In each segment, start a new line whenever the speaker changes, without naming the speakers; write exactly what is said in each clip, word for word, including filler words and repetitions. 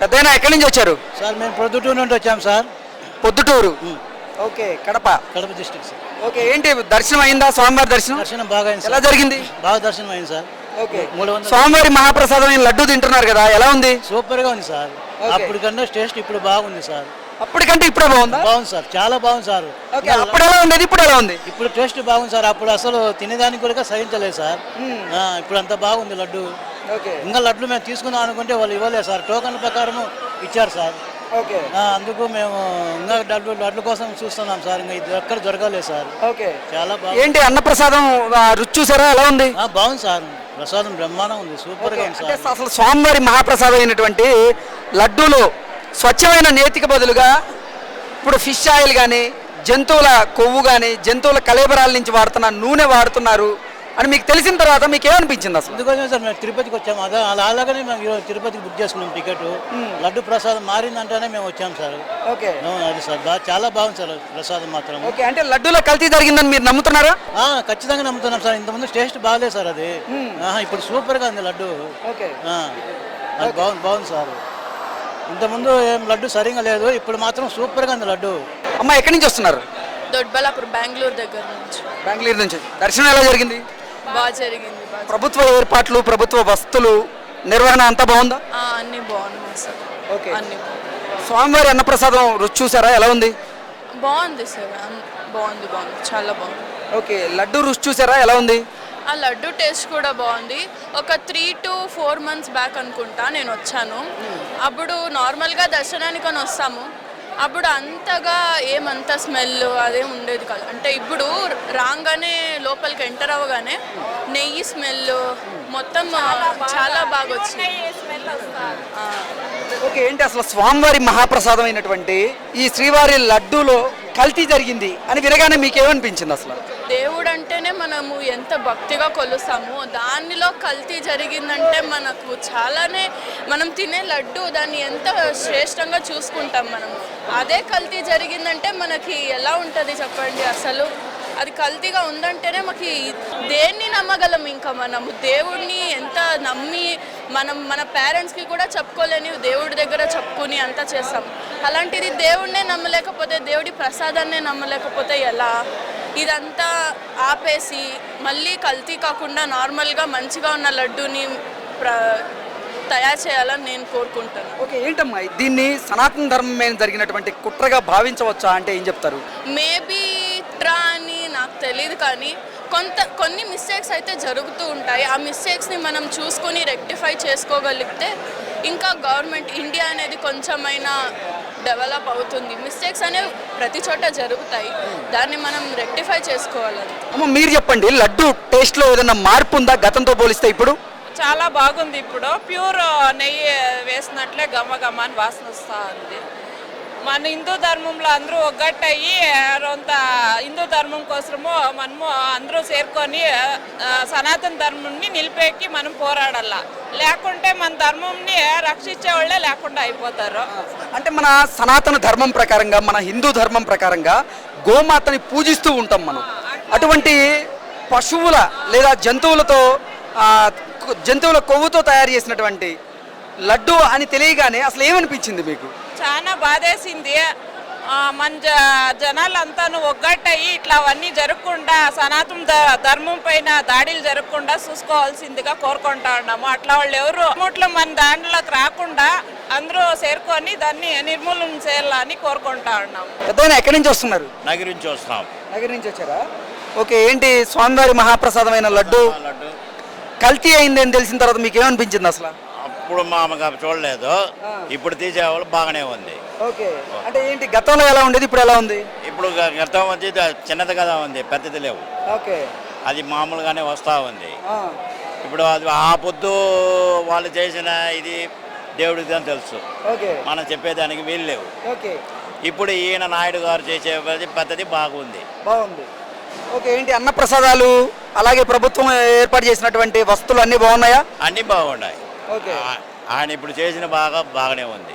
పెద్దయినా ఎక్కడి నుంచి వచ్చారు?
సార్ మేము ప్రొద్దుటూరు నుండి వచ్చాం sir.
Proddatur. Okay, Kadapa.
Kadapa district sir.
Okay, ఏంటి దర్శనం అయిందా? స్వామివారి దర్శనం
దర్శనం బాగా అయింది.
ఎలా జరిగింది?
బాగా దర్శనం అయింది సార్.
ఓకే, స్వామివారి మహాప్రసాదం అయిన లడ్డు తింటున్నారు కదా, ఎలా ఉంది?
సూపర్ గా ఉంది సార్. అప్పటికన్నా టేస్ట్ ఇప్పుడు బాగుంది సార్.
అప్పటికంటే ఇప్పుడే బాగుందా?
బాగుంది సార్, చాలా బాగుంది సార్.
అప్పుడు ఎలా ఉండేది, ఇప్పుడు ఎలా ఉంది?
ఇప్పుడు టేస్ట్ బాగుంది సార్. అప్పుడు అసలు తినేదానికి కూడా సహించలేదు సార్. ఇప్పుడు అంత బాగుంది లడ్డు. ఇంకా లడ్లు మేము తీసుకుందాం అనుకుంటే వాళ్ళు ఇవ్వలేదు సార్. టోకన్ ప్రకారం ఇచ్చారు సార్.
ఓకే,
అందుకు మేము ఇంకా లడ్లు లడ్ల కోసం చూస్తున్నాం సార్. ఇంకా ఇది ఎక్కడ దొరకలేదు సార్.
ఓకే,
చాలా బాగుంది.
ఏంటి అన్నప్రసాదం రుచి చూసారా, ఎలా ఉంది?
బాగుంది సార్, ప్రసాదం బ్రహ్మాండం ఉంది, సూపర్ గా ఉంది సార్.
అసలు స్వామివారి మహాప్రసాదం అయినటువంటి లడ్డూలో స్వచ్ఛమైన నేతికి బదులుగా ఇప్పుడు ఫిష్ ఆయిల్ కానీ, జంతువుల కొవ్వు కానీ, జంతువుల కళేబరాల నుంచి వాడుతున్న నూనె వాడుతున్నారు అని మీకు తెలిసిన తర్వాత మీకు ఏమనిపించింది అసలు?
అందుకోసమే సార్ మేము తిరుపతికి వచ్చాము. అదే అలా అలాగనే మేము ఈరోజు తిరుపతికి బుక్ చేసుకున్నాం టికెట్. లడ్డు ప్రసాదం మారిందంటేనే మేము వచ్చాము సార్.
ఓకే,
అది సార్ బాగా చాలా బాగుంది సార్ ప్రసాదం మాత్రం.
ఓకే, అంటే లడ్డూలో కల్తీ జరిగిందని మీరు నమ్ముతున్నారా?
ఖచ్చితంగా నమ్ముతున్నాం సార్. ఇంతకుముందు టేస్ట్ బాగాలేదు సార్ అది. ఇప్పుడు సూపర్ గా ఉంది లడ్డు.
ఓకే,
అది బాగుంది బాగుంది సార్. ఇంతకుముందు ఏం లడ్డు సరిగా లేదు, ఇప్పుడు మాత్రం సూపర్ గా ఉంది లడ్డు.
అమ్మ ఎక్కడి నుంచి వస్తున్నారు?
దొడ్బలాపూర్, బెంగళూరు దగ్గర నుంచి.
బెంగళూరు నుంచి. దర్శనం ఎలా జరిగింది?
బాగా జరిగింది.
ప్రభుత్వ ఏర్పాట్లు, ప్రభుత్వ వస్తువులు, నిర్వహణ అంతా బాగుందా?
అన్ని బాగున్నాయి సార్.
ఓకే,
అన్ని
స్వామివారి అన్నప్రసాదం రుచి చూసారా, ఎలా ఉంది?
బాగుంది సార్, బాగుంది బాగుంది చాలా బాగుంది.
ఓకే, లడ్డు రుచి చూసారా, ఎలా ఉంది?
ఆ లడ్డు టేస్ట్ కూడా బాగుంది. ఒక three to four months back అనుకుంటా నేను వచ్చాను. అప్పుడు నార్మల్గా దర్శనానికి అని వస్తాము. అప్పుడు అంతగా ఏమంత స్మెల్ అదే ఉండేది కాదు. అంటే ఇప్పుడు రాగానే లోపలికి ఎంటర్ అవ్వగానే నెయ్యి స్మెల్ మొత్తం చాలా బాగా వచ్చింది.
ఓకే, ఏంటి అసలు స్వామివారి మహాప్రసాదం అయినటువంటి ఈ శ్రీవారి లడ్డూలో కల్తీ జరిగింది అని వినగానే మీకు ఏమనిపించింది అసలు?
దేవుడు అంటేనే మనము ఎంత భక్తిగా కొలుస్తాము, దానిలో కల్తీ జరిగిందంటే మనకు చాలానే, మనం తినే లడ్డు దాన్ని ఎంత శ్రేష్టంగా చూసుకుంటాం మనం. అదే కల్తీ జరిగిందంటే మనకి ఎలా ఉంటుంది చెప్పండి? అసలు అది కల్తీగా ఉందంటేనే మాకు దేన్ని నమ్మగలం? ఇంకా మనము దేవుడిని ఎంత నమ్మి మనం మన పేరెంట్స్కి కూడా చెప్పుకోలేని దేవుడి దగ్గర చెప్పుకుని అంతా చేస్తాం. అలాంటిది దేవుడినే నమ్మలేకపోతే, దేవుడి ప్రసాదాన్నే నమ్మలేకపోతే ఎలా? ఇదంతా ఆపేసి మళ్ళీ కల్తీ కాకుండా నార్మల్గా మంచిగా ఉన్న లడ్డూని ప్ర తయారు చేయాలని నేను కోరుకుంటాను.
ఓకే, ఏంటమ్మా దీన్ని సనాతన ధర్మం మీద జరిగినటువంటి కుట్రగా భావించవచ్చా అంటే ఏం చెప్తారు?
మేబీ కుట్ర అని నాకు తెలియదు, కానీ కొంత కొన్ని మిస్టేక్స్ అయితే జరుగుతూ ఉంటాయి. ఆ మిస్టేక్స్ని మనం చూసుకొని రెక్టిఫై చేసుకోగలిగితే ఇంకా గవర్నమెంట్ ఇండియా అనేది కొంచెమైనా డెవలప్ అవుతుంది. మిస్టేక్స్ అనేవి ప్రతి చోట జరుగుతాయి, దాన్ని మనం రెక్టిఫై చేసుకోవాలని.
అమ్మ మీరు చెప్పండి, లడ్డు టేస్ట్లో ఏదైనా మార్పు ఉందా గతంతో పోలిస్తే? ఇప్పుడు
చాలా బాగుంది. ఇప్పుడు ప్యూర్ నెయ్యి వేసినట్లే గమ గమ అని వాసన వస్తూ ఉంది. మన హిందూ ధర్మంలో అందరూ ఒగ్గట్టయి కొంత హిందూ ధర్మం కోసము మనము అందరూ చేరుకొని సనాతన ధర్మంని నిలిపేకి మనం పోరాడాల. లేకుంటే మన ధర్మంని రక్షించే వాళ్ళే లేకుండా అయిపోతారు.
అంటే మన సనాతన ధర్మం ప్రకారంగా, మన హిందూ ధర్మం ప్రకారంగా గోమాతని పూజిస్తూ ఉంటాం మనం. అటువంటి పశువుల లేదా జంతువులతో జంతువుల కొవ్వుతో తయారు చేసినటువంటి లడ్డు అని తెలియగానే అసలు ఏమనిపించింది మీకు?
చాలా బాధేసింది. మన జ జనాలంతాను ఒగ్గట్టయి ఇట్లా అవన్నీ జరగకుండా, సనాతన ధర్మం పైన దాడులు జరగకుండా చూసుకోవాల్సిందిగా కోరుకుంటా ఉన్నాము. అట్లా వాళ్ళు ఎవరు అమౌంట్లో మన దాంట్లోకి రాకుండా అందరూ చేరుకొని దాన్ని నిర్మూలన చేయాలని కోరుకుంటా ఉన్నాము.
పెద్దయినా ఎక్కడి నుంచి వస్తున్నారు?
నగరి నుంచి వస్తున్నాం.
నగరి నుంచి వచ్చారా? ఓకే, ఏంటి స్వామివారి మహాప్రసాదమైన లడ్డు
లడ్డు
కల్తీ అయిందని తెలిసిన తర్వాత మీకు ఏమనిపించింది అసలు?
అప్పుడు మా అమ్మగారు చూడలేదు, ఇప్పుడు తీసేవాళ్ళు బాగానే ఉంది.
ఓకే, అంటే ఏంటి గతంలో ఎలా ఉండేది, ఇప్పుడు ఎలా ఉంది?
ఇప్పుడు గతం వచ్చి చిన్నది కదా ఉంది, పెద్దది లేవు.
ఓకే,
అది మామూలుగానే వస్తూ ఉంది. ఇప్పుడు అది ఆ పొద్దు వాళ్ళు చేసిన ఇది దేవుడికి అని తెలుసు, మనం చెప్పేదానికి వీలు లేవు.
ఓకే,
ఇప్పుడు ఈయన నాయుడు గారు చేసే పద్ధతి బాగుంది.
బాగుంది. ఓకే, ఏంటి అన్నప్రసాదాలు అలాగే ప్రభుత్వం ఏర్పాటు చేసినటువంటి వస్తువులు అన్నీ బాగున్నాయా?
అన్నీ బాగున్నాయి.
ఓకే,
ఆయన ఇప్పుడు చేసిన బాగా బాగానే ఉంది,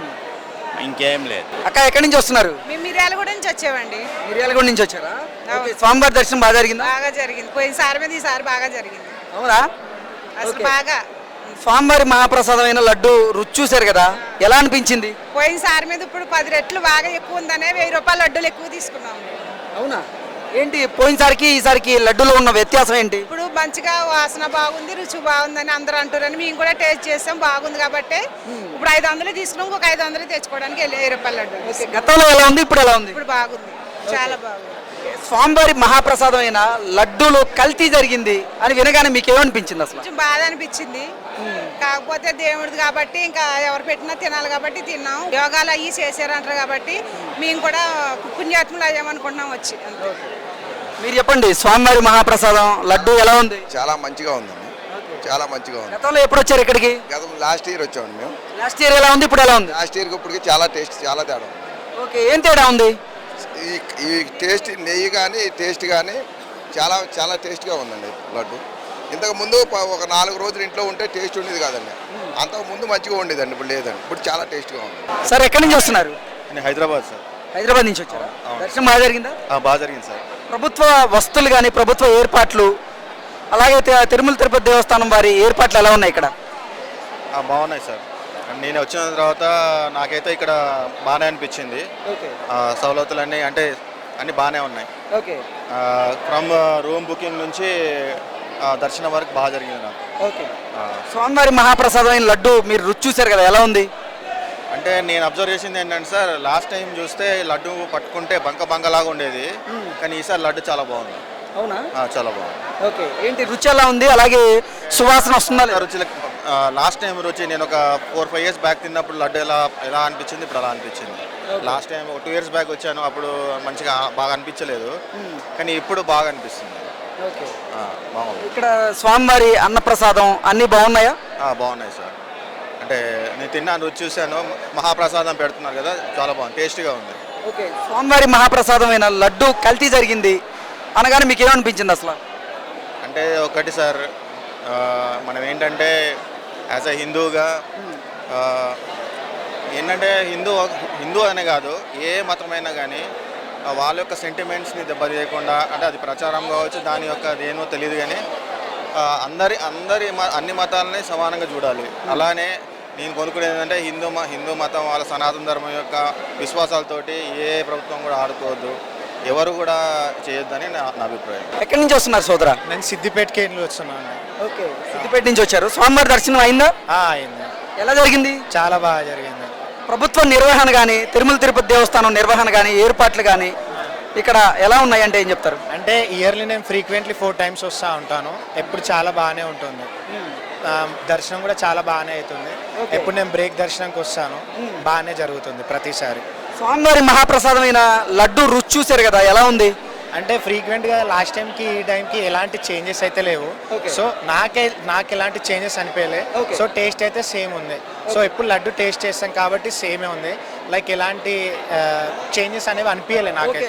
ఇంకేం లేదు.
అక్క ఎక్కడి నుంచి వస్తున్నారు?
మేము మిర్యాలగూడ నుంచి వచ్చామండి.
మిర్యాలగూడ నుంచి వచ్చారా? స్వామివారి దర్శనం బాగా జరిగిందా?
బాగా జరిగింది. పోయినసారి మీద ఈసారి బాగా జరిగింది.
అవునా?
అసలు బాగా
స్వామివారి మహాప్రసాదమైన లడ్డు రుచి చూశారు కదా, ఎలా అనిపించింది?
పోయినసారి మీద ఇప్పుడు పది రెట్లు బాగా ఎక్కువ ఉందనే వెయ్యి రూపాయల లడ్డూలు ఎక్కువ తీసుకున్నాం.
అవునా? ఏంటి పోయినసారికి ఈసారికి లడ్డూలో ఉన్న వ్యత్యాసం ఏంటి?
ఇప్పుడు మంచిగా వాసన బాగుంది, రుచి బాగుందని అందరూ అంటారని మేము కూడా టేస్ట్ చేసాం, బాగుంది కాబట్టి ఇప్పుడు ఐదు వందలు తీసుకున్నాం, ఇంకొక ఐదు వందలు తెచ్చుకోవడానికి వెళ్ళి వెయ్యి రూపాయల లడ్డు.
గతంలో ఎలా ఉంది, ఇప్పుడు ఎలా ఉంది?
ఇప్పుడు బాగుంది, చాలా బాగుంది.
స్వామివారి మహాప్రసాదమైన లడ్డూలో కల్తీ జరిగింది అని వినగానే మీకు ఏమనిపించింది అసలు?
కొంచెం బాధ అనిపించింది, కాకపోతే దేవుడిది కాబట్టి ఇంకా ఎవరు పెట్టినా తినాలి కాబట్టి తిన్నాం. యోగాలు అయ్యి చేశారంటారు కాబట్టి మేము కూడా పుణ్యాత్ములు అయ్యామనుకుంటున్నాం వచ్చి. అంతే.
మీరు చెప్పండి, స్వామివారి మహాప్రసాదం లడ్డు ఎలా ఉంది?
చాలా మంచిగా ఉందండి, చాలా మంచిగా ఉంది.
గతంలో ఎప్పుడు వచ్చారు ఇక్కడికి?
గత లాస్ట్ ఇయర్ వచ్చామండి మేము.
లాస్ట్ ఇయర్ ఎలా ఉంది, ఇప్పుడు ఎలా ఉంది?
లాస్ట్ ఇయర్కి ఇప్పటికి చాలా టేస్ట్ చాలా తేడా ఉంది.
ఓకే, ఏం తేడా ఉంది?
ఈ ఈ టేస్ట్ నెయ్యి కానీ టేస్ట్ కానీ చాలా చాలా టేస్ట్గా ఉందండి లడ్డు. ఇంతకు ముందు ప- ఒక నాలుగు రోజులు ఇంట్లో ఉంటే టేస్ట్ ఉండేది కాదండి, అంతకు ముందు మంచిగా ఉండేదండి, ఇప్పుడు లేదండి, ఇప్పుడు చాలా టేస్ట్గా ఉంది.
సార్ ఎక్కడి నుంచి వస్తున్నారు?
నేను హైదరాబాద్ సార్.
హైదరాబాద్ నుంచి వచ్చారా? దర్శనం బాగా జరిగిందా?
ఆ, బాగా జరిగింది సార్.
ప్రభుత్వ వస్తువులు కానీ ప్రభుత్వ ఏర్పాట్లు, అలాగే తి- తిరుమల తిరుపతి దేవస్థానం వారి ఏర్పాట్లు ఎలా ఉన్నాయి ఇక్కడ?
ఆ, బాగున్నాయి సార్. నేను వచ్చిన తర్వాత నాకైతే ఇక్కడ బాగానే అనిపించింది.
ఓకే
ఆ, సవలతులన్నీ అంటే అన్నీ బాగానే ఉన్నాయి.
ఓకే
ఫ్రమ్ రూమ్ బుకింగ్ నుంచి ఆ, దర్శనం వరకు బాగా జరిగింది నాకు.
ఓకే
ఆ,
స్వామివారి మహాప్రసాదమైన లడ్డు మీరు రుచి చూశారు కదా, ఎలా ఉంది?
అంటే నేను అబ్జర్వ్ చేసింది ఏంటంటే సార్, లాస్ట్ టైం చూస్తే లడ్డు పట్టుకుంటే బంక బంకలాగా ఉండేది, కానీ ఈసారి లడ్డు చాలా బాగుంది.
అవునా?
ఆ, చాలా బాగుంది.
ఓకే, ఏంటి రుచి ఎలా ఉంది, అలాగే సువాసన వస్తుందా లేదా?
రుచి లాస్ట్ టైం రుచి నేను ఒక ఫోర్ ఫైవ్ ఇయర్స్ బ్యాక్ తిన్నప్పుడు లడ్డు ఎలా ఎలా అనిపించింది, ఇప్పుడు అలా అనిపించింది. లాస్ట్ టైం ఒక టూ ఇయర్స్ బ్యాక్ వచ్చాను, అప్పుడు మంచిగా బాగా అనిపించలేదు, కానీ ఇప్పుడు బాగా అనిపిస్తుంది.
ఓకే,
ఆ, బాగుంది.
ఇక్కడ స్వామివారి అన్నప్రసాదం అన్నీ బాగున్నాయా?
ఆ, బాగున్నాయి సార్. అంటే నేను తిన్నాను, రుచి చూశాను, మహాప్రసాదం పెడుతున్నారు కదా, చాలా బాగుంది, టేస్టీగా ఉంది.
ఓకే, స్వామివారి మహాప్రసాదమైన లడ్డు కల్తీ జరిగింది అనగానే మీకు ఏమనిపించింది అసలు?
అంటే ఒకటి సార్, ఆ, మనం ఏంటంటే యాజ్ అ హిందూగా ఆ, ఏంటంటే హిందూ హిందూ అనే కాదు, ఏ మతమైనా కానీ వాళ్ళ యొక్క సెంటిమెంట్స్ని దెబ్బతీయకుండా, అంటే అది ప్రచారం కావచ్చు, దాని యొక్క అదేనో తెలియదు, కానీ ఆ, అందరి అందరి మ- అన్ని మతాలని సమానంగా చూడాలి. అలానే నేను కొనుక్కునేది ఏంటంటే హిందూ మ హిందూ మతం వాళ్ళ సనాతన ధర్మం యొక్క విశ్వాసాలతోటి ఏ ప్రభుత్వం కూడా ఆడుకోవద్దు, ఎవరు కూడా చేయొద్దని నా నా అభిప్రాయం.
ఎక్కడి నుంచి వస్తున్నారు సోదరా?
నేను సిద్దిపేటకి వెళ్ళి వస్తున్నాను.
ఓకే, సిద్దిపేట నుంచి వచ్చారు. స్వామివారి దర్శనం అయిందా?
అయింది,
ఎలా జరిగింది?
చాలా బాగా జరిగింది.
ప్రభుత్వ నిర్వహణ కానీ తిరుమల తిరుపతి దేవస్థానం నిర్వహణ కానీ ఏర్పాట్లు కానీ ఇక్కడ ఎలా ఉన్నాయి అంటే ఏం చెప్తారు?
అంటే ఇయర్లీ నేను ఫ్రీక్వెంట్లీ ఫోర్ టైమ్స్ వస్తూ ఉంటాను, ఎప్పుడు చాలా బాగానే ఉంటుంది. ఆ, దర్శనం కూడా చాలా బాగానే అవుతుంది. ఎప్పుడు నేను బ్రేక్ దర్శనంకి వస్తాను, బాగానే జరుగుతుంది ప్రతిసారి.
స్వామివారి మహాప్రసాదమైన లడ్డు రుచి చూశారు కదా, ఎలా ఉంది?
అంటే ఫ్రీక్వెంట్గా లాస్ట్ టైంకి ఈ టైంకి ఎలాంటి చేంజెస్ అయితే లేవు.
Okay.
సో నాకే నాకు ఎలాంటి చేంజెస్ అనిపించలే.
Okay.
సో టేస్ట్ అయితే సేమ్ ఉంది. సో ఎప్పుడు లడ్డు టేస్ట్ చేస్తాం కాబట్టి సేమే ఉంది. లైక్ ఎలాంటి చేంజెస్ అనేవి అనిపించలే నాకైతే.